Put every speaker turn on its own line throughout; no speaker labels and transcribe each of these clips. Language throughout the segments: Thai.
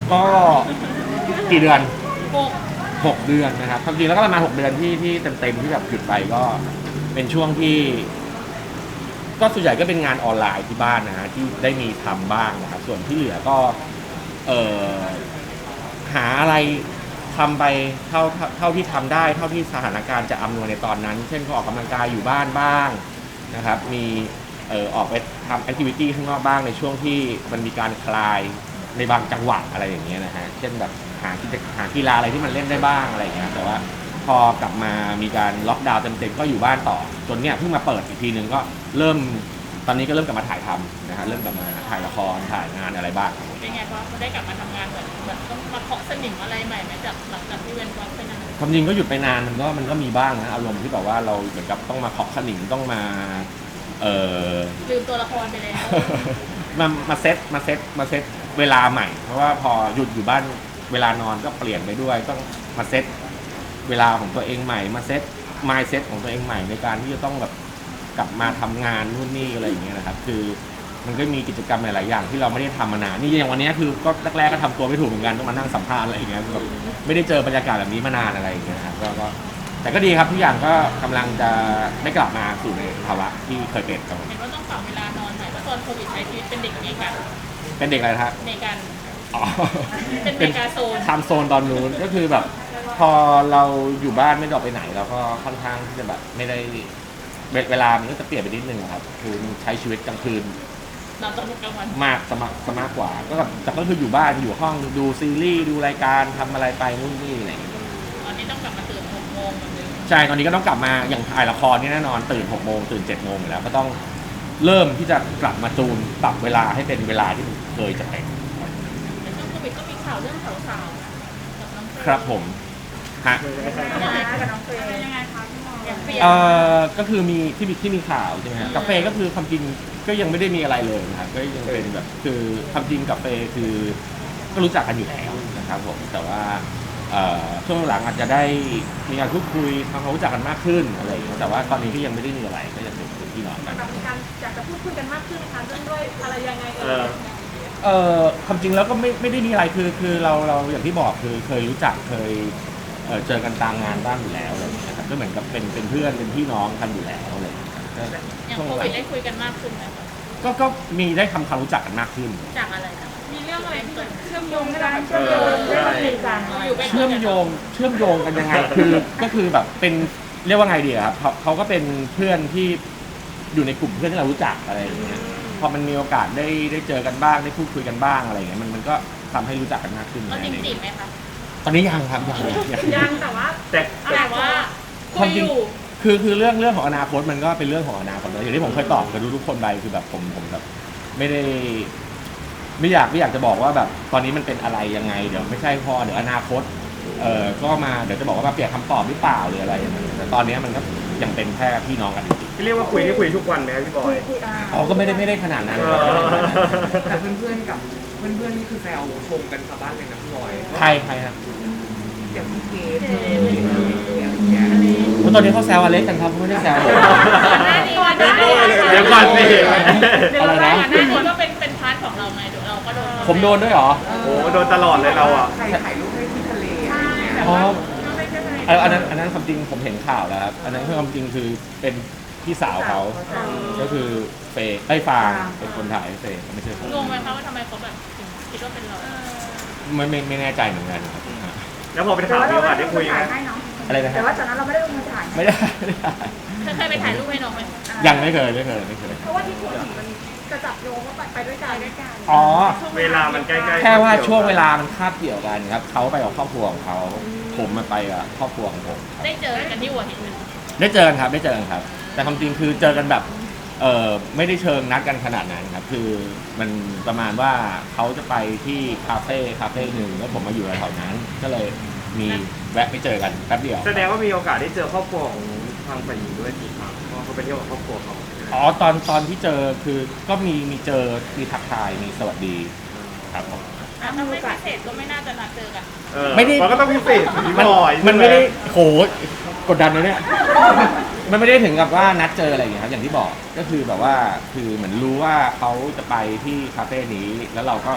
ก็กี่เดือน
หก
6 เดือนนะครับความจริงแล้วก็ประมาณ6 เดือนที่เต็มที่แบบหยุดไปก็เป็นช่วงที่ก็ส่วนใหญ่ก็เป็นงานออนไลน์ที่บ้านนะฮะที่ได้มีทำบ้างนะครับส่วนที่เหลือก็เอ่อหาอะไรทำไปเท่าที่ทำได้เท่าที่สถานการณ์จะอำนวยในตอนนั้น เช่นก็ออกกำลังกายอยู่บ้านบ้างนะครับมีออกไปทำแอคทิวิตี้ข้างนอกบ้างในช่วงที่มันมีการคลายในบางจังหวะอะไรอย่างเงี้ยนะฮะเช่นแบบหากีฬาอะไรที่มันเล่นได้บ้างอะไรอย่างเงี้ยแต่ว่าพอกลับมามีการล็อกดาวน์เต็มๆก็อยู่บ้านต่อจนเนี่ยเพิ่งมาเปิดอีกทีนึงก็เริ่มตอนนี้ก็เริ่มกลับมาถ่ายทำนะฮะเริ่มกลับมาถ่ายละครถ่ายงานอะไรบ้าง
เป็นไงพอได้กลับมาทำงานแบบต้องมาเคาะสนิมอะไรใหม่ไหมจากหลังจากที่เว้นวักไปนาน
ความจริงก็หยุดไปนานมันก็มีบ้างนะอารมณ์ที่แบบว่าเราเหมือนกับต้องมาเคาะขนิ่งต้องมา
ลืมตัวละครไปแล้ว
มาเซตเวลาใหม่เพราะว่าพอหยุดอยู่บ้านเวลานอนก็เปลี่ยนไปด้วยต้องมาเซตเวลาของตัวเองใหม่มาเซตmindset ของตัวเองใหม่ในการที่จะต้องแบบกลับมาทำงานนู่นนี่อะไรอย่างเงี้ยนะครับคือมันก็มีกิจกรรมหลายๆอย่างที่เราไม่ได้ทำมานานนี่อย่างวันนี้คือก็แรกๆก็ทำตัวไม่ถูกเหมือนกันต้องมานั่งสัมภาษณ์อะไรอย่างเงี้ยแบบไม่ได้เจอบรรยากาศแบบนี้มานานอะไรอย่างเงี้ยครับก็แต่ก็ดีครับทุกอย่างก็กำลังจะได้กลับมาสู่ในภาวะที่เคยเป็นครับผม
เห็นว่าต้องปรับเวลานอนใหม่เพราะตอนโควิดใช้ชีวิตเป็นเด็กอเมริกัน
เป็นเด็กอะไรครับ
อเมริกัน
อ๋อ
เป็นเมกาโซน
ทำโซนตอนนู้นก็คือแบบพอเราอยู่บ้านไม่ได้ออกไปไหนเราก็ค่อนข้างที่จะแบบไม่ได้เวลามันก็จะเปลี่ยนไปนิดนึงครับคือใช้ชีวิตกลางคืน
นอนตอนกลางวัน
มากสมากกว่าก็แบบแต่ก็คืออยู่บ้านอยู่ห้องดูซีรีส์ดูรายการทำอะไรไปนู่นนี่อะไรอย่างเงี้ย
ตอนนี้ต้องกลับมาตื่น6 โมงเหมือนเดิม
ใช่ตอนนี้ก็ต้องกลับมาอย่างถ่ายละครนี่แน่นอนตื่น6 โมงตื่น7 โมงอยู่แล้วก็ต้องเริ่มที่จะกลับมาจูนปรับเวลาให้เป็นเวลาที่เคยจะเป็น
ในช่วงโควิดก็มีข่าวเรื่องสาวๆกับน้องเฟย์
ครับผมฮะ
ยังไงกับน้องเฟย์ยังไงคะพี่หมออย่างเปลี่ยน
ก็คือมีที่มีข่าวใช่ไหมฮะกับเฟย์ก็คือความจริงก็ยังไม่ได้มีอะไรเลยนะครับก็ยังเป็นแบบคือความจริงกับเฟย์คือก็รู้จักกันอยู่แล้วนะครับผมแต่ว่าช่วงหลังอาจจะได้มีการพูดคุยทำความรู้จักกันมากขึ้นอะไรอย่างเงี้ยแต่ว่าตอนนี้ก็ยังไม่ได้มีอะไรก็ยังเป็นพี่น้องกัน
มีการอยากจะพูดคุยกันมากขึ้นนะคะเรื่องด้วยอะไรยังไง
ความจริงแล้วก็ไม่ได้มีอะไรคือเราอย่างที่บอกคือเคยรู้จักเคยเจอกันตามงานบ้างอยู่แล้วอะไรอย่างเงี้ยครับก็เหมือนกับเป็นเพื่อนเป็นพี่น้องกันอยู่แล้วอะไรอย่างเงี้ยครับ
อย่าง
ช่วง
โค
หลั
วิ
ง
ดได้คุยกันมากขึ้นไหมคะ
ก็มีได้ทำความรู้จักกันมากขึ้น
จากอะไรนะมีเรื่องอะไรที่เชื่อมโยง
การเชื่อมโยงเรื่องดีกัน
อยู่เป็น
เชื่อมโยงกันยังไงคือก็คือแบบเป็นเรียกว่าไงดีอะครับเขาก็เป็นเพื่อนที่อยู่ในกลุ่มเพื่อนที่เรารู้จักอะไรอย่างเงี้ยพอมันมีโอกาสได้เจอกันบ้างได้พูดคุยกันบ้างอะไรอย่างเงี้ยมันก็ทำให้รู้จักกันมากขึ้น
เราจริงจีบไหมคะ
ตอนนี้ยังครับ
ยังแต่ว่า
แต่ว่าคุยอยู่
คือเรื่องของอนาคตมันก็เป็นเรื่องของอนาคตแล้วอย่างที่ผมเคยตอบกับทุกคนไปคือแบบผมแบบไม่ได้ไม่อยากจะบอกว่าแบบตอนนี้มันเป็นอะไรยังไงเดี๋ยวไม่ใช่พอเดี๋ยวอนาคตก็มาเดี๋ยวจะบอกว่ามาเปลี่ยนคำตอบหรือเปล่าหรืออะไรอย่างเงี้ยแต่ตอนนี้มันก็ยังเป็นแค่พี่น้องกันจริง
ที่เรียกว่าคุยทุกวันไหมครับพี่บอย
ๆเขาก็ไม่ได้ขนาดนั้นครับ
แต่เพื่อนๆกับเพื่อนๆนี่คือแซวชมกันชาวบ้านเลยนะพี่บอย
ใครครับ
อย่างพี่เกดอย่างเงี้ย
ตอนนี้เขาแซวอเล็กกันครับเขาไม่ได้แซวผม
เดี๋ยวก่อนสิ
อะไรนะ
ก่อนหน้านี้ก็เป็นพาร์ทของเราไงเราก็โดน
ผมโดนด้วยเหรอ
โอ้โดนตลอดเลยเราอ่ะ
ใครถ่ายรูปให้ที่ทะเลอะไรเงี้ย
อ๋ออันนั้นความจริงผมเห็นข่าวแล้วครับอันนั้นคือความจริงคือเป็นพี่สาวเขาก็คือเฟย์ไอ้ฟางเป็นคนถ่ายให้เฟย์ไม่ใช่ผม
งงไหมคะว่าทำไมเขาแบบถึงคิดว่าเป็นเรา
ไม่แน่ใจเหมือนกันครับ
แล้วพอเป็นข่าวมีโอกาสได้คุยไหม
ให้น้อง
อะไรนะค
แต่
รับ
ว่าตอนนั้นเราไม่ได้ลงมือถ่าย
ไม่ได้
เคยไปถ่ายรูปให้น้องไหม
ยังไม่เคย
เพราะว่าที่พูดถึงมันจะจับโยงว่าไปด้วยกัน
อ๋อ
เวลามันใกล้ๆ
แค่ว่าช่วงเวลามันคาบเกี่ยวกันครับเขาไปกับครอบครัวของเขาผมมาไปกับครอบครัวของผม
ได้เจอกันที่หัวหินไหม
ได้เจอกันครับแต่ความจริงคือเจอกันแบบไม่ได้เชิงนัดกันขนาดนั้นครับคือมันประมาณว่าเขาจะไปที่คาเฟ่หนึ่งแล้วผมมาอยู่แถวนั้น ก็เลยมีแวะไปเจอกันแป๊บเดียว
แสดงว่ามีโอกาสได้เจอครอบครัวของทางฝ่ายหญิงด้วยกี่ครั้งเพราะเขาไปเที่ยวกับครอบครัวเขา
อ๋อตอนที่เจอคือก็มีเจอมีทักทายมีสวัสดีครับผม
ถ้าไม่พิเศษก็ไม่น่าจะนัดเจอกัน
ไม่ได้
มันก็ต้องพิเศษสิพี่บอย
มันไม่ได้โหกดดันเลยเนี่ย มันไม่ได้ถึงกับว่านัดเจออะไรอย่างเงี้ยครับอย่างที่บอกก็คือแบบว่าคือเหมือนรู้ว่าเขาจะไปที่คาเฟ่นี้แล้วเราก็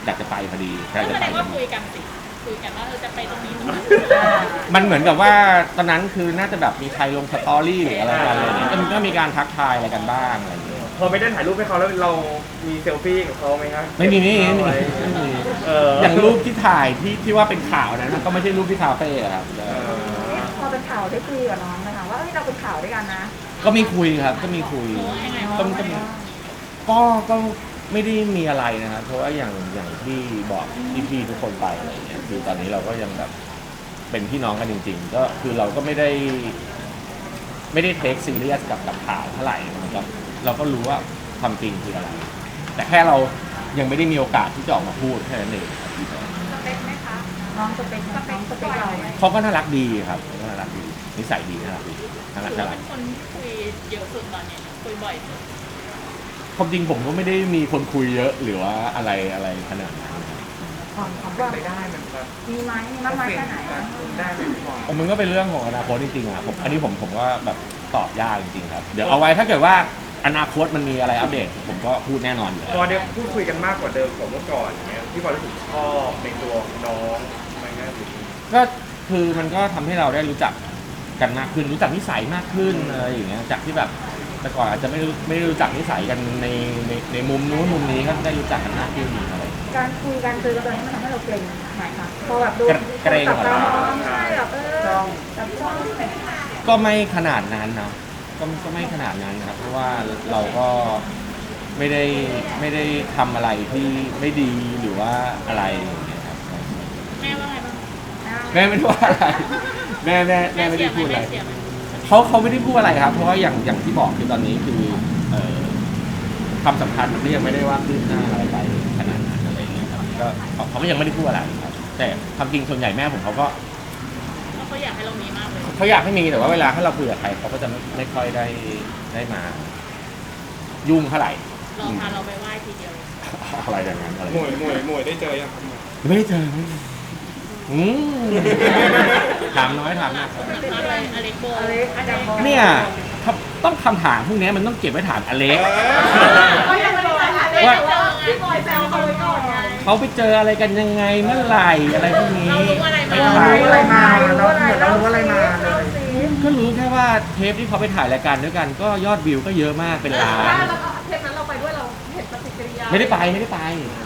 อยากจะไปพอดีอยาก
ก็
จะ
แส
ไป
ดงว่าคุยกันสิคุยกันว่าจะไปตรงนี้ตรงนี้
มันเหมือนกับว่าตอนนั้นคือน่าจะแบบมีใครลงสตอรี่หรืออะไรกันอะไรเงี้ยก็มีการทักทายอะไรกันบ้างอะไรอย่างเงี้ย
พอไม่ได้ถ่ายรูปให้เขาแล้วเรามีเซลฟี่กับเขาไหมครับ
ไม่มี อย่างรูปที่ถ่ายที่ว่าเป็นข่าวนั้นก็ไม่ใช่รูปที่คาเฟ่อะครับ
พอเป็นข่าวได้คุยกับน้องไหมคะว่าเราเป็นข่าวด้วยกันนะ
ก็มีคุยครับก็มีคุย
ยังไง
ก็ก็ไม่ได้มีอะไรนะครับเพราะว่าอย่างที่บอกพี่ๆทุกคนไปอะไรเงี้ยคือตอนนี้เราก็ยังแบบเป็นพี่น้องกันจริง ๆ ก็คือเราก็ไม่ได้เทคซีเรียสกับข่าวเท่าไหร่นะครับเราก็รู้ว่าความจริงคืออะไร แต่แค่เรายังไม่ได้มีโอกาสที่จะออกมาพูดแค่นั้นเอง
สเปคไหมคะ น้องสเปคเรา
เขาก็น่ารักดีครับเขาก็น่ารักดีนิสัยดีน่ารักดีน่ารัก
ถือ
น่า
ว่า
รั
เป็
ก
นคนที่คุยเยอะสุดตอนนี้คุยบ่อยสุด
ความจริงผมก็ไม่ได้มีคนคุยเยอะหรือว่าอะไรขนาดนั้น
ความเป็นไปได้มันจะ
มีไหมมีมากน้อยแค่ไหน
ได้ไหมพี่บอย
มันก็เป็นเรื่องของอนาคตจริงๆอ่ะอันนี้ผมก็แบบตอบยากจริงๆครับเดี๋ยวเอาไว้ถ้าเกิดว่าอนาคตมันมีอะไรอัปเดตผมก็พูดแน่นอนอยู่แล้ว
พอเดี๋ยวพูดคุยกันมากกว่าเดิมกว่าเมื่อก่อนอย่างเงี้ยพี่บอยรู้สึกชอบในตัวน้องไหมครับ
ก็คือมันก็ทำให้เราได้รู้จักกันมากขึ้นรู้จักนิสัยมากขึ้นอะไรอย่างเงี้ยจากที่แบบแต่ก่อนอาจจะไม่ได้รู้จักนิสัยกันในมุมนู้นมุมนี้ก็ได้รู้จักกันมากขึ้นอะไร
การคุยกันคือตอนนี้มันทำให้เราเกรงไหมคะพอแบบดู
เกรง
จับ
เหรอ
เราใช่แบบจับจ้อง
ก็ไม่ขนาดนั้นนะก็ไม่ขนาดนั้นนะครับเพราะว่าเราก็ไม่ได้ทำอะไรที่ไม่ดีหรือว่าอะไรอย่างเงี้ยครับ
แม่ว่าไงบ้าง
แม่ไม่ได้ว่าอะไรแม่ไม่ได้พูดอะไร
แม่เสียไหม
เขาไม่ได้พูดอะไรครับ เพราะว่าอย่างที่บอกคือตอนนี้คือความสัมพันธ์มันก็ยังไม่ได้ว่าคืบหน้าอะไรไปขนาดนั้นอะไรอย่างเงี้ยครับก็เขาก็ยังไม่ได้พูดอะไรครับ แต่ความจริงส่วนใหญ่แม่ผมเขาก็
เพราะเขาอยากให้เรามีมากเลย
เขาอยากให้มีแต่ว่าเวลาถ้าเราคุยกับใครเขาก็จะไม่ค่อยได้มา ยุ่งเท่าไหร่
รอพาเราไปไหว้ทีเดียวเลย
อะไรอย่างนั้นอะไร
หมวยได้เจอยังครับ
ไม่ได้เจออืมถามน้อยถามนะ
อะไรอเล็กโบ
อะไรอาจารย์บอก
เนี่ยต้องคำถามพวกนี้มันต้องเก็บไว้ถามอเล็ก
ก็ยังไม่ได้ถามเลยแต่ว่าพี่บอยแซวเขาไว้ก่อนไง
เขาไปเจออะไรกันยังไงเมื่อไหร่อะไรพวกนี้
เรารู้อะไรมา
ไม่
รู้
ถาม
อะไรมาเรารู้อะไรมาเลย
ก็รู้แค่ว่าเทปที่เขาไปถ่ายรายการด้วยกัน ก็ยอดวิวก็เยอะมากเป็นล้าน
แล้วเทปนั้นเราไปด้วยเราเห็นปฏิกิริยา
ไม่ได้ไป
อ่า
เทป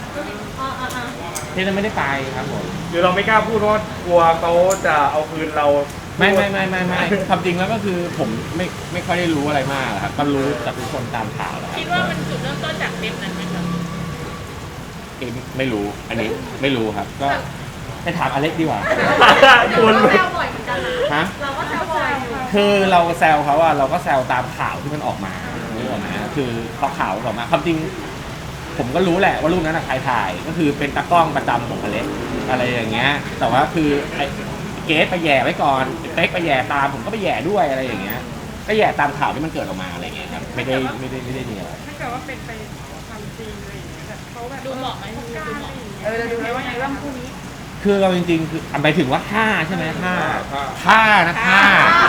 นั้นไม่ได้ไปครับผม
หรือเราไม่กล้าพูดเพราะกลัวเขาจะเอาคืนเรา
ไม่ความจริงแล้วก็คือผมไม่ค่อยได้รู้อะไรมากครับก็รู้จากทุกคนตามข่าวแล้วครับ
คิดว่ามันจุดเริ่มต้นจากเทปนั้นไหมครับ
เองไม่รู้อันนี้ไม่รู้ครับ ก็ไปถามอเล็กดีกว่า
คุณ
แซวบ่อยเหมือนกันนะ
ฮะ
เราก็แซวบ่อยอยู่
คือเราแซวเขาอะเราก็แซวตามข่าวที่มันออกมานึกออกไหมคือพอข่าวออกมาความจริง ผมก็รู้แหละว่ารูปนั้นอะใครถ่ายก็คือเป็นตากล้องประจำของอเล็กอะไรอย่างเงี้ย แต่ว่าคือไอ้เกสไปแย่ไว้ก่อนเป๊กไปแย่ตามผมก็ไปแย่ด้วยอะไรอย่างเงี้ย ก็แย่ตามข่าวที่มันเกิดออกมาอะไรอย่างเงี้ยครับไม่ได้มีอะไร
ถ้าเกิดว่าเป็นไปความจริงอะไรอย่างเงี้ยแบบเขาแบบ
ดูเหมาะไหมดูเหมาะ
เราดูแล้วว่าไงบ้างคู่นี้
คือเราจริงๆคือหมายถึงว่าท่าใช่ไหมท่านะท่า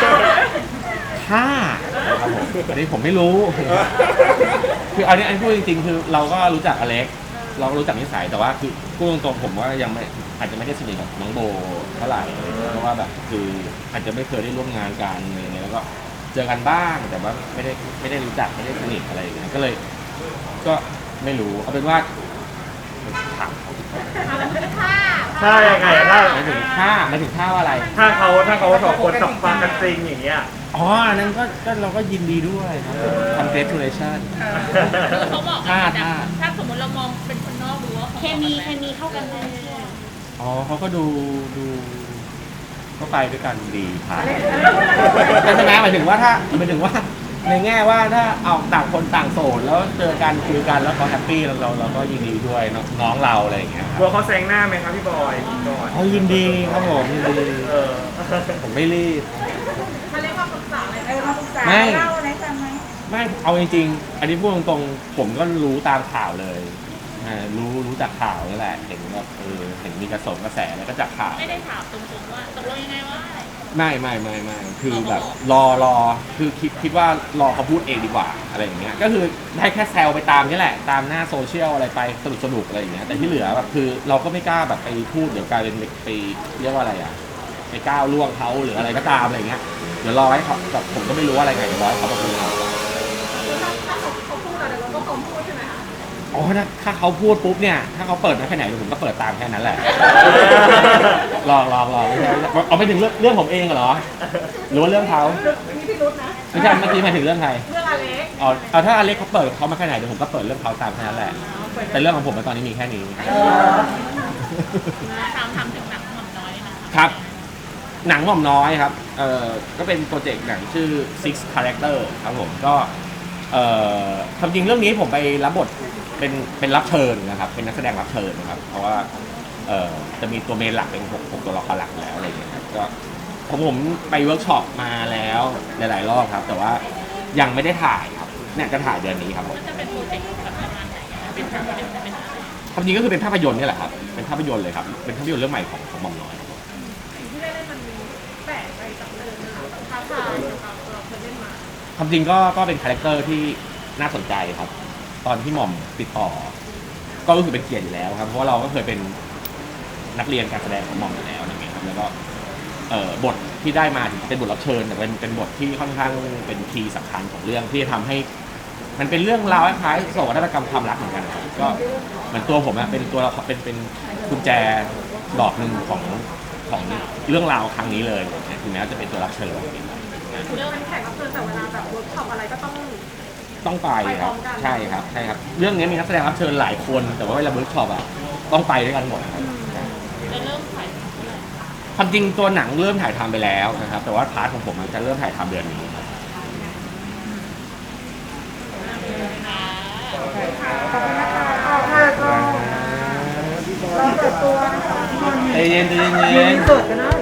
ครับผมอันนี้ผมไม่รู้ คืออันนี้พูดจริงๆ คือเราก็รู้จักอเล็ก เราก็รู้จักนิสัยแต่ว่าคือพูดตรงๆผมว่ายังไม่อาจจะไม่ได้สนิทกับน้องโบเท่าไหร่เพราะว่าแบบคืออาจจะไม่เคยได้ร่วมงานกันอะไรอย่างเงี้ยแล้วก็เจอกันบ้างแต่ว่าไม่ได้รู้จักไม่ได้สนิทอะไรอย่างเงี้ยก็เลยก็ไม่รู้เอาเป็นว่าถามเขา
ถ้ายังไงถ้า
หมายถึงท่าว่าอะไร
ถ้าเขาสองคนจับฟังกันจริงอย่างเงี้ย
อ๋ออันนั้นก็เราก็ยินดีด้วยครับ congratulation
คือเขาบอกกัน
ท่า
ถ้าสมมติเรามองเป็นคนนอกดูว่าเคมีเข้ากันได้
อ๋อเขาก็ดูก็ไปด้วยกันดีผ่านใช่ไหมหมายถึงว่าในแง่ว่าถ้าเอาต่างคนต่างโสดแล้วเจอกันคุยกันแล้วเขาแฮปปี้เราก็ยินดีด้วยน้องเราอะไรอย่างเงี้ย
กลัวเขาแซงหน้าไหมครับพี่บอยก่อน
อ๋อยินดีครับผมยินดี
เออ
ผมไม่รีบ
มาเรียกว่าปรึกษาอะไรมาปรึกษา
ไม่
เล่าอะไรกันไหม
ไม่เอาจริงๆ อันนี้พูดตรงๆผมก็รู้ตามข่าวเลยรู้จากข่าวนี่แหละเห็นแบบเห็นมีกระแสแล้วก็จากข่าว
ไม่ได้ถามตรงๆว่าตกลงยังไงวะ
ไม่คือแบบรอคือคิดว่ารอเขาพูดเองดีกว่าอะไรอย่างเงี้ยก็คือได้แค่แซวไปตามนี่แหละตามหน้าโซเชียลอะไรไปสนุกอะไรอย่างเงี้ยแต่ที่เหลือแบบคือเราก็ไม่กล้าแบบไปพูดเดี๋ยวกลายเป็นไปเรียกว่าอะไรอ่ะไปก้าวล่วงเขาหรืออะไรก็ตามอะไรเงี้ยเดี๋ยวรอให้เขาแบบผมก็ไม่รู้อะไรไงเดี๋ยวรอให้เขามาพูด
ถ้าเขาพูดอะไรเราก็พร้อมพูดใช่ไหมคะ
อ๋อถ้าเขาพูดปุ๊บเนี่ยถ้าเขาเปิดมาแค่ไหนผมก็เปิดตามแค่นั้นแหละลองเอาไปถึงเรื่องผมเองเหรอหรือว่าเรื่องเขา
มีพิรุธนะ
ไม่ใช่เมื่อกี้หมายถึงเรื่องใคร
เรื่องอเล็ก
เอาถ้าอเล็กเขาเปิดเขามาแค่ไหนเดี๋ยวผมก็เปิดเรื่องเขาตามแค่นั้นแหละแต่เรื่องของผมตอนนี้มีแค่นี้
ทำถึงหนังหม่อมน้อยนะคะ
ครับหนังหม่อมน้อยครับก็เป็นโปรเจกต์หนังชื่อ Six Character ครับผมก็ความจริงเรื่องนี้ผมไปรับบทเป็นรับเชิญนะครับเป็นนักแสดงรับเชิญนะครับเพราะว่าจะมีตัวเมนหลักเป็น6ตัวละครหลักแล้วอะไรอย่างเงี้ยครับก็ผมไปเวิร์กช็อปมาแล้วหลายๆรอบครับแต่ว่ายังไม่ได้ถ่ายครับเนี่ยจะถ่ายเดือนนี้ครับผม
มันจะเป็นโปรเจกต์แบบประมาณไหนอะเป็นอะไร
ความจริงก็คือเป็นภาพยนตร์นี่แหละครับเป็นภาพยนตร์เลยครับเป็นภาพยนตร์เรื่องใหม่ของหม่อมน้อย
สิ่งที่ได้เล่นมันแปลกไปจากเดิมนะคะท้าทายกับเราเคยเล่นมา
ความจริงก็เป็นคาแรคเตอร์ที่น่าสนใจครับ ตอนที่หม่อมติดต่อ ก็รู้สึกเป็นเกียรติอยู่แล้วครับเพราะว่าเราก็เคยเป็นนักเรียนการแสดงของหม่อมอยู่แล้วอย่างเงี้ยครับแล้วก็บทที่ได้มาถึงเป็นบทรับเชิญแต่เป็นบทที่ค่อนข้างเป็นคีย์สำคัญของเรื่องที่จะทำให้ มันเป็นเรื่องราวคล้ายๆโศกนาฏกรรมความรักเหมือนกันครับก็เหมือนตัวผมอะเป็นตัวเป็นกุญแจดอกหนึ่งของเรื่องราวครั้งนี้เลยถึงแม้จะเป็นตัวรับเชิญ
เรื่องเป็นแขกรับเชิญแต่เวลาแบบเวิร์กช็อปอะไรก็ต้อง
ไปครับ
ไปพร้อมกัน
ใช่ครับเรื่องนี้มีนักแสดงรับเชิญหลายคน แต่ว่าเวลาเวิร์กช็อปอะต้องไปด้วยกันหมดครับ
จะเริ่มถ่ายทำเมื่อไหร่
ความจริงตัวหนังเริ่มถ่ายทำไปแล้วนะครับแต่ว่าพาร์ทของผมจะเริ่มถ่ายทำเดือนนี้ครับ
ขอบคุณนะคะเราเปิดตัวนะคะ
ใจเย็น
เปิดกันนะ